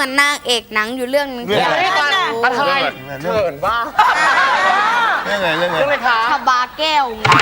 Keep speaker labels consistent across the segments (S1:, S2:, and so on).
S1: มือนนางเอกหนังอยู่เรื่องนึง
S2: เรื่องอะไร
S3: อะไรเขินบ้า
S2: เรื่องอะไร
S3: คะ
S1: ชบาแก้วไง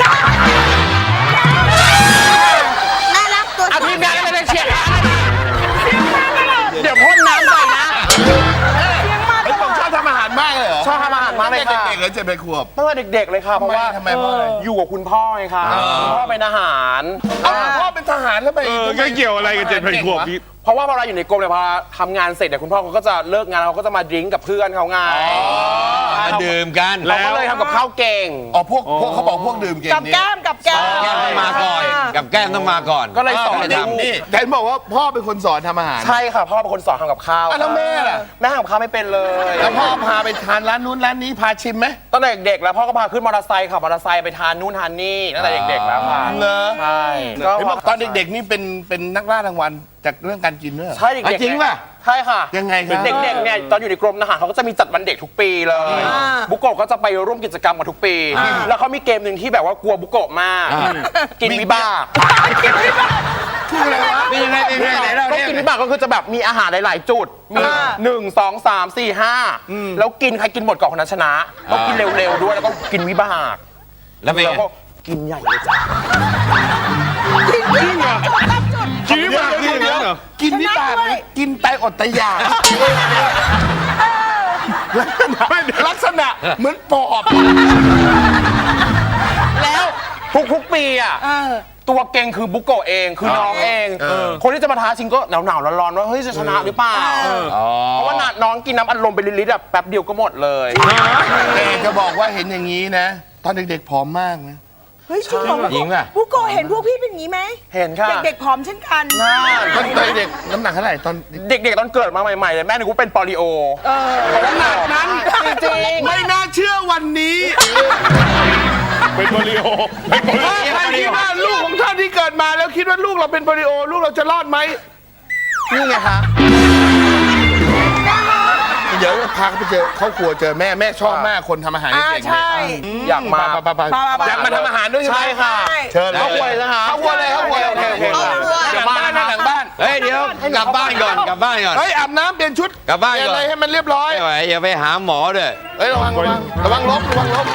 S1: น่ารักตัว
S3: เอาทีมงานอะไรเชียร์เดี๋ยวพ่นน้ำใส่นะ
S2: ไอ้ผมชอบทำอาหารมากเลยเหรอ
S3: ชอบทำอาหารมากเลยค่ะ
S2: เด็กๆเลย7 ขวบ
S3: ตั้งแต่เด็กๆเลยค่ะเพราะว่า
S2: ทำไมเพราะอะไร
S3: อยู่กับคุณพ่อไงคะคุณพ่อเป็นอาหาร
S2: พ่อเป็นทหารแล้วไป
S4: ก็เกี่ยวอะไรกับ7 ขวบพี่
S3: เพราะว่าเวลาอยู่ในกรมเนี่ยพอทำงานเสร็จเนี่ยคุณพ่อเขาก็จะเลิกงานเขาก็จะมาดริ้งกับเพื่อนเขาไง
S5: มาดื่มกัน
S3: เราก็เลยทำกับข้าวเก่ง
S2: อ๋อพวกเขาบอกพวกดื่มเก่ง
S6: กับ
S2: นี่
S6: แก้มกับแก้ม
S5: แก้มต้องมาก่อน กับแก้มต้องมาก่อน
S3: ก็เลยสอน
S5: ให้ทำ
S2: นี่แต่บอกว่าพ่อเป็นคนสอนทำอาหาร
S3: ใช่ค่ะพ่อเป็นคนสอนทำกับข้าว
S2: แล้วแม่ล่ะ
S3: แม่ทำกับข้าวไม่เป็นเลย
S2: แล้วพ่อพาไปทานร้านนู้นร้านนี้พาชิมไหม
S3: ตั้งแต่เด็กๆแล้วพ่อก็พาขึ้นมอเตอร์ไซค์ขับมอเตอร์ไซค์ไปทานนู่นทานนี่ตั้งแต่เด็กๆแล้วค่ะ
S2: เหรอ
S3: ใช่ก็
S2: เห็นบอกตอนเด็กๆนี่เป็นนักล่ารางวัลจากเรื่องการกินด้วยเหรอ
S3: ใช่เด็กๆ
S2: จริงป่ะ
S3: ใช่ค่ะ
S2: ยังไงครับ
S3: เด็กๆเนี่ยตอนอยู่ในกรมทหารเขาก็จะมีจัดวันเด็กทุกปีเลยบุโกะก็จะไปร่วมกิจกรรมกันทุกปี แล้วเขามีเกมหนึ่งที่แบบว่ากลัวบุโกะมากกินวิบาก
S5: เป็นยังไงไหนเรา
S3: ก็
S5: เนี่ย
S3: กินวิบากก็คือจะแบบมีอาหารหลายๆจุดมี1 2 3 4 5แล้วกินใครกินหมดก่อนคนนั้นชนะต้องกินเร็วๆด้วยแล้วก็กินวิบาก
S5: แล้วเป็น
S3: แล้ว
S5: ไง
S3: ก็กินใหญ่เลยจ้ะ
S4: กินวิบากนี่อย่างนั้นเหรอ
S2: กินวิบากนะกินไตอดไตอยากลักษณะเหมือนปอบ
S3: แล้วทุกๆปีอ่ะตัวเก่งคือบุโกะเองคือน้องเอง คนที่จะมาท้าชิงก็หนาวๆร้อนๆว่าเฮ้ยจะชนะหรือเปล่าเพราะว่าน้องกินน้ำอัดลมไปลิตรๆแบบแป๊บเดียวก็หมดเลย
S2: แต่จะบอกว่าเห็นอย่างนี้นะ ตอนเด็กๆผอมมากนะ
S6: เฮ้ยจริงเหรอ
S5: หญิงป่ะ
S6: บุโกะเห็นพวกพี่เป็นอย่างนี้ไหม
S3: เห็นค่ะ
S6: เด็กๆผอมเช่นกัน
S2: ตอนเด็กน้ำหนักเท่าไหร่ตอน
S3: เด็กๆตอนเกิดมาใหม่ๆเลยแม่นึกว่าเป็นปอลิโอ
S2: ขนาดนั้น
S3: จริง
S2: ไม่น่าเชื่อวันนี้
S4: เป็นโปลิโอ
S2: ใครคิดว่าลูกของท่านที่เกิดมาแล้วคิดว่าลูกเราเป็นโปลิโอลูกเราจะรอดไหมนี่ไงคะเดี๋ยวพาเขาไปเจอครอบครัวเจอแม่ชอบมากคนทำอาหารเก่งๆ
S6: ใช่
S3: อยากมา
S2: อยากมาทำอาหารด้วยใช่ไหม
S3: ใช่ค่ะ
S2: เชิญ
S3: ครอบครัวเลยนะคะ
S2: ครอบครัวเลยครอบครัวเลย
S3: โอเค
S2: หลังบ้านนะหลังบ้าน
S5: เฮ้ยเดี๋ยวกลับบ้านก่อนกลับบ้านก่อน
S2: เฮ้ยอาบน้ำเปลี่ยนชุด
S5: กลับบ้านก่อน
S2: เปลี่ยอะไรให้มันเรียบร้อย
S5: ไม่ไหวอย่าไปหาหมอด้วย
S2: เฮ้ยระวังลบ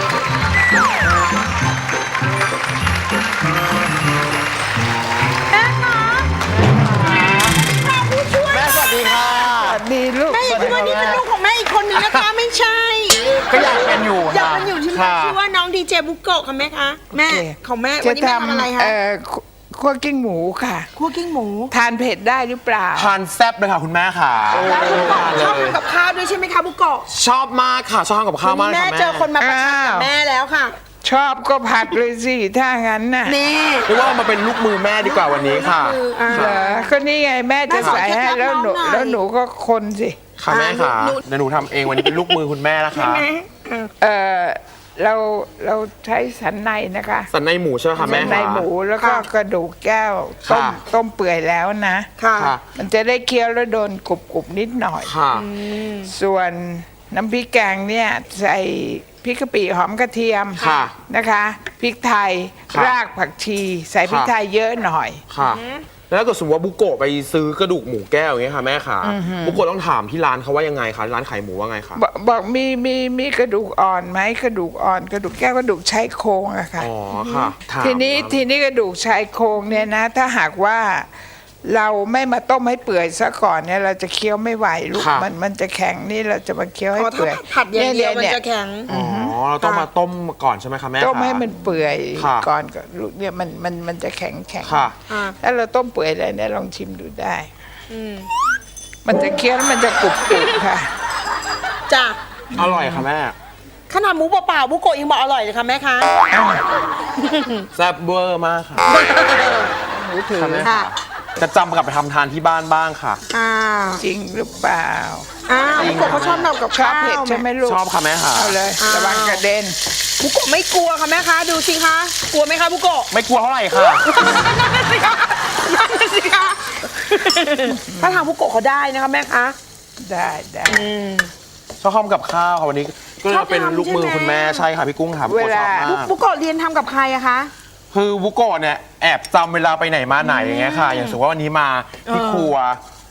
S2: แม่สวัสดีค่ะ
S6: ดีลูกแม่อย่าคิดว่านี่เป็นลูกของแม่อีกคนนึงนะคะไม่ใช่
S3: ก็อยากเป็นอยู่
S6: อยากเป็นอยู่ที่แม่ชื่อว่าน้องดีเจบุโกะค่ะแม่คะแม่ของแม่วันนี้แม่ทำอะไรคะ
S7: คั่วกิ้งหมูค่ะ
S6: คั่วกิ้งหมู
S7: ทานเผ็ดได้หรือเปล่า
S3: ทานแซ่บเลยค่ะคุณแม่ค่ะ
S6: แล้วบุโกะชอบทำกับข้าวด้วยใช่ไหมคะบุโกะ
S3: ชอบมากค่ะชอบทำกับข้าว
S6: วัน
S3: มาก
S6: นี้
S3: ค่ะ
S6: แม่
S3: แม่
S6: เจอคนมาประชันกับแม่แล้วค่ะ
S7: ชอบก็ผัดเลยสิ ถ้างั้นน่ะ
S6: นี่
S3: เรียกว่ามาเป็นลูกมือแม่ดีกว่าวันนี้ค่ะ
S7: เหรอก็นี่ไงแม่จะใส่ให้แล้วหนู
S6: แม่สอนเคล็ดลับน้องหน่อย
S7: แล้วหนูก็คนสิ
S3: ค่ะแม่ค่ะเดี๋ยวหนูทำเองวันนี้เป็นลูกมือคุณแม่นะคะ
S7: เออเราใช้สันในนะคะ
S3: สันในหมูใช่ไหมคะ
S7: สั
S3: แม่
S7: นในหมูแล้วก็
S6: ค่ะ
S7: กระดูกแก้ว
S3: ค่ะ
S7: ต้มเปื่อยแล้วนะ
S6: ค่ะ
S3: ค่ะ
S7: มันจะได้เคี้ยวแล้วโดนกรุบๆนิดหน่อย
S3: ค่ะ
S7: ส่วนน้ำพริกแกงเนี่ยใส่พริกกะปิหอมกระเทียม
S3: ค่ะ
S7: นะคะพริกไทย
S3: ค่ะ
S7: รากผักชี ใส่พริกไทยเยอะหน่อย
S3: ค่ะ แล้วถ้าเกิดสมมติว่าบุโกะไปซื้อกระดูกหมูแก้วอย่างเงี้ยค่ะแม่ค่ะบุโกะต้องถามที่ร้านเขาว่ายังไงคะร้านขายหมูว่าไงคะ
S7: บอกมีกระดูกอ่อนไหมกระดูกอ่อน กระดูกแก้วกระดูกชายโครงอะค่ะ
S3: อ๋อค่ะถาม
S7: ทีนี้กระดูกชายโครงเนี่ยนะ ถ้าหากว่าเราไม่มาต้มให้เปื่อยซะก่อนเนี่ยเราจะเคี้ยวไม่ไหวลูกมันจะแข็งนี่เราจะมาเคี้ยวให้
S6: อ๋อถ้า
S7: เปื่อย
S6: ผัดอย่างเดียวมัน
S7: นี่
S6: จะแข็ง
S3: อ๋อเราต้องมาต้มก่อนใช่ไหมคะแม่
S7: ต้ม
S3: คะ
S7: ให้มันเปื่อย
S3: ค่ะ
S7: ก่อนก็ลูกเนี่ยมันจะแข็ง
S3: ค่ะ
S7: ถ้าเราต้มเปื่อยเลยเนี่ยลองชิมดูได้มันจะเคี้ยวแล้วมันจะกรุบค่ะ
S6: จ้ะ
S3: อร่อยค่ะแม่
S6: ขนาดหมูเปล่าๆบุโกะยังบอกอร่อยเลยค่ะแม่คะ
S3: แซ่บเวอร์มากค่ะ
S7: หมูถือ
S3: ค่ะแม่
S6: ค่ะ
S3: จะจำกลับไปทำทานที่บ้านบ้างค่ะ
S6: อ้าว
S7: จริงหรือเปล่า
S6: บุโกะเขาชอบทำกับ
S7: ชอบ
S6: ข้าว
S7: เผ็ดใช่ไหมลูก
S3: ชอบค่ะแม่ค่ะ
S7: เอาเลยระวังกระเด็น
S6: บุโกะไม่กลัวค่ะแม่คะดูสิคะกลัวไหมคะบุโกะ
S3: ไม่กลัวเท่าไหร่ค่ะ
S6: นั่นสิคะนั่นสิคะถ้าทางบุโกะเขาได้นะคะแม่คะ
S7: ได้
S3: ชอบทำกับข้าวค่ะวันนี้ก็เลยเป็นลูกมือคุณแม่ใช่ค่ะพี่กุ้งค่ะบุโกะชอบมาก
S6: บุโกะเรียนทำกับใครอะคะ
S3: คือบุโกะเนี่ยแอบจำเวลาไปไหนมาไหนอย่างเงี้ยค่ะ อย่างสมมติว่าวันนี้มาที่ครัว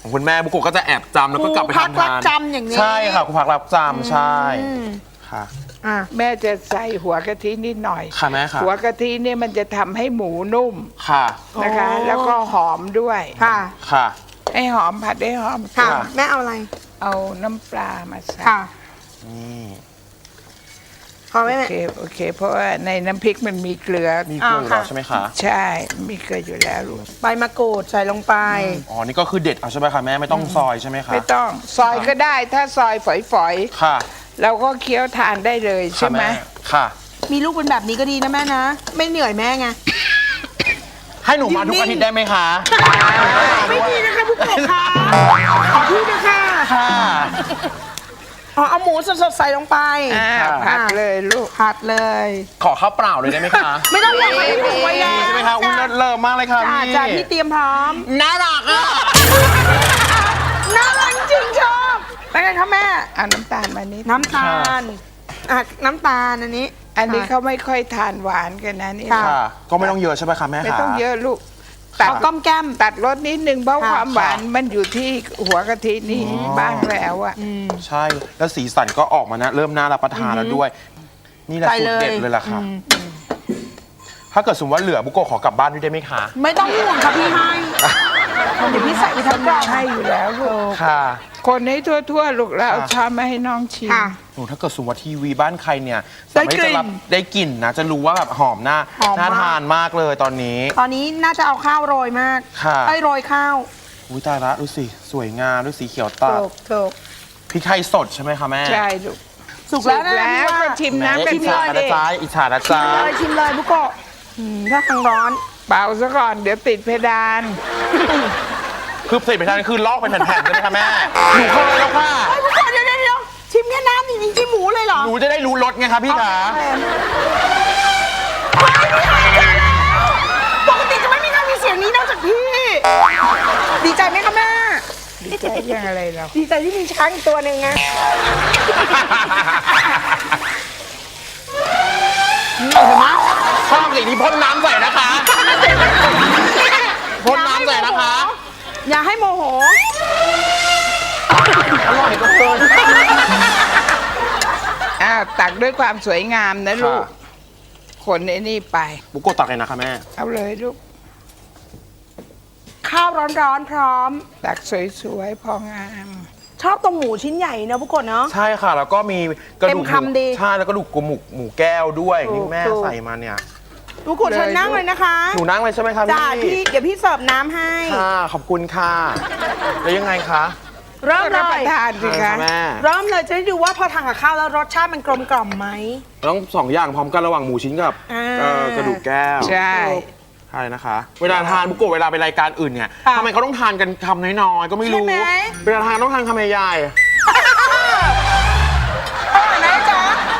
S3: ของคุณแม่บุโกะก็จะแอบจำแล้วก็กลับไป
S1: ครูพัก
S3: ทำ
S1: รั
S3: งา
S1: บ
S3: น
S1: จำอย่างนี้
S3: ใช่ค่ะครูพักรับจำใช่ค่ะ
S7: แม่จะใส่หัวกะทินิดหน่อย
S3: ค่ะแม่ค่ะ
S7: หัวกะทิเนี่ยมันจะทำให้หมูนุ่ม
S3: ค่ะ
S7: นะคะ แล้วก็หอมด้วย
S1: ค่ะ
S3: ค่ะ
S7: ให้หอมผัดให้หอม
S1: ค่ะ
S3: ค่ะ
S1: แม่เอาอะไร
S7: เอาน้ำปลามาใส่
S1: ค่ะ
S3: นี่
S1: พอไหม
S7: โอ
S1: แม่
S7: เคโอเค เพราะว่าในน้ำพริกมันมีเกลือ
S3: มีเกลืออยู่แล้วใช่ไหมคะ
S7: ใช่มีเกลืออยู่แล้วลูก
S1: ใบมะกรูดใส่ลงไป
S3: อ๋อนี่ก็คือเด็ดเอาใช่ไหมคะแม่ไม่ต้องซอยใช่ไหมคะ
S7: ไม่ต้องซอยก็ได้ถ้าซอยฝอย
S3: ค่ะ
S7: ๆเราก็เคี้ยวทานได้เลยใช่ไหม
S3: ค่ะ
S1: มีลูกเป็นแบบนี้ก็ดีนะแม่นะ ไม่เหนื่อยแม่ไง
S3: ให้หนูมาทุกอาทิตย์ได้ไหมคะ
S1: ไม่ดีนะคะผู้ปกครองค่ะขอพี่นะคะ
S3: ค่ะ
S1: อ๋อเอาหมูสดๆใส่ลงไป
S7: ผัดเลยลูก
S1: ผัดเลย
S3: ขอข้าวเปล่าเลยได้ไหมคะ
S1: ไม่ต้องห่วงไม่ถูกไว้แล้ว
S3: ใช่ไหมคะอุ้ยเลิศมากเลยค่ะ
S1: จ้า
S3: พี่
S1: จ้าพี่เตรียมพร้อม
S3: น่ารักอ่ะ
S1: น่ารักจริงชอบเป็นไงคะแม่
S7: เอาน้ำตาลมานิด
S1: น้ำตาลน้ำตาลอันนี้
S7: อันนี้เขาไม่ค่อยทานหวานกันนะนี่
S1: ค่ะ
S3: ค่ะ ก็ไม่ต้องเยอะใช่ไหมคะแม่คะ
S7: ไม่ต้องเยอะลูกตัด
S1: เอาก้อมแก้ม
S7: ตัดรสนิดนึงเพราะ
S1: ค่ะ
S7: ความหวานมันอยู่ที่หัวกะทินี่บ้างแล้วอะ
S3: ใช่แล้วสีสันก็ออกมานะเริ่มน่ารับประทานแล้วด้วย นี่แหละ
S1: ไป
S3: สูต
S1: เล
S3: ร
S1: ย
S3: เด็ดเลยล่ะค่ะ ถ้าเกิดสมมติว่าเหลือบุโกะขอกลับบ้านด้วยได้ไหมคะ
S1: ไม่ต้องห่วงค่ะพี่ให้เดี๋ยวพี่ใส่ไปทั้งกล่อง
S7: ให้อยู่แล้วลูก
S3: ค่ะ
S7: คนให้ทั่วๆลูกแล้วเอาช้อนมาให้น้องชิม
S1: ค่ะ
S3: หนูถ้าเกิดสมมติว่าทีวีบ้านใครเนี่ย
S1: ได้
S3: สามารถ
S1: กลิ่น
S3: จะรับได้กลิ่นนะ จะรู้ว่าแบบหอมน่า
S1: หอมมาก
S3: น่าทานมากเลยตอนนี้
S1: ตอนนี้น่าจะเอาข้าวโรยมาก
S3: ค่ะ
S1: ไอ้โรยข้าว
S3: อุ้ยตายละดูสิสวยงามดูสีเขียวตัด
S1: ถูก
S3: พริกไทยสดใช่ไหมคะแม่
S7: ใช่ลูก
S1: สุกแล้วนะ
S7: แล้ว
S1: พี่ว่า
S7: ก็ชิมน้ำกัน
S3: อิจ
S7: นิ
S3: ฉา
S7: ด
S3: นะ
S7: ดิ
S3: จ๊ะอิจฉานะ
S1: ชิ
S3: จ๊ะ
S1: มเลยชิมเลยบุโกะถ้าทางร้อน
S7: เป่าซะก่อนเดี๋ยวติดเพดาน
S3: คือใส่ไปทานคือลอกเป็นแผ่นๆใช่ไหมคะแม่หนูเคยแล้วค่ะ
S1: ไอ้บุโกะเดี๋ยวชิมแค่น้ำจริงๆชิมหมูเลยเหรอ
S3: หนูจะได้รู้รสไงคะพี่ขา
S1: ปกติจะไม่มีใครมีเสียงนี้นอกจากพี่ ดีใจไหมคะแม่
S7: ดีใจยังอะไรเรา
S1: ดีใจที่มีช้างอีกตัวหนึ่งไง
S3: ชอบสิ่งที่พ่นน้ำใส่นะคะพ่นน้ำใส่นะคะ
S1: อย่าให้โมโห
S3: อร่อยก็เกิน
S7: อ้าวตักด้วยความสวยงามนะลูก
S3: ค่ะ
S7: คนไอ้นี่ไป
S3: บุโกะตักเลยนะคะแม่
S7: เอาเลยลูก
S1: ข้าวร้อนๆพร้อม
S7: ตักสวยๆพองาม
S1: ชอบตรงหมูชิ้นใหญ่เนอะบุโกะเนาะ
S3: ใช่ค่ะ แล้วก็มีกระดูก
S1: เต็มคำดี
S3: ใช่แล้วก็ดูกหมูแก้วด้วย
S1: ถูก
S3: นี่แม่
S1: ถูก
S3: ใส่มาเนี่ย
S1: บุโกะเชิญนั่งเลยนะคะ
S3: หนูนั่งเลยใช่ไหมคะ
S1: จ้า
S3: พี่
S1: พี่เดี๋ยวพี่เสิร์ฟน้ำให้
S3: ค่ะขอบคุณค่ะแล้วยังไงคะ
S1: เริ่มเล
S7: รับป
S1: ย
S7: ระทานสิคะ
S3: แม่
S1: เริ่มเลยจะได้ดูว่าพอทานกับข้าวแล้วรสชาติมันกลมกล่อมไหม
S3: ต้องสองอย่างพร้อมกันระหว่างหมูชิ้นกับ
S1: อ่า
S3: กระดูกแก้ว
S7: ใช่
S3: ใช่นะคะ เวลาทานบุโกะเวลาไปรายการอื่นเนี่ย
S1: ค่ะ
S3: ทำไมเขาต้องทานกันคำน้อยๆก็ไม่รู้
S1: ใช่ไหม
S3: เวลาทานต้องทานคำใหญ่ๆ
S1: อร่อยไหมจ๊ะ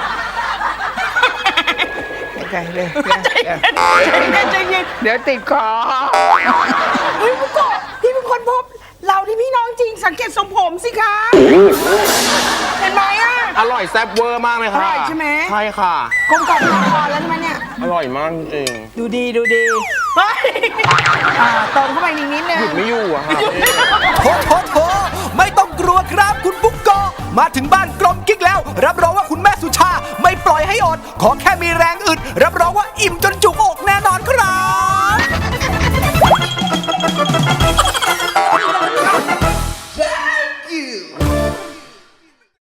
S7: ไม่ใจเลย
S1: ใจเย็น
S7: เดี๋ยวติดคอ
S1: เฮ้ยบุโกะพี่เป็นคนพบ เราที่พี่น้องจริงสังเกตทรงผมสิคะเห็นไหมอ่ะ
S3: อร่อยแซ่บเวอร์มากเลยค่ะ
S1: อร่อยใช่ไหม
S3: ใช่ค่ะ
S1: กลมกล่อมละครแล้วใช่ไหมเนี่ย
S3: อร่อยมากจริง
S1: ดูดีเฮ้ยเติมเข้าไปนิดนึง
S3: หยุดไม่อยู่อะค่ะ
S8: โถไม่ต้องกลัวครับคุณบุ๊กโกะมาถึงบ้านกลมกิ๊กแล้ว รับรองว่าคุณแม่สุชาไม่ปล่อยให้อด ขอแค่มีแรงอึด รับรองว่าอิ่มจนจุกอกแน่นอนครับ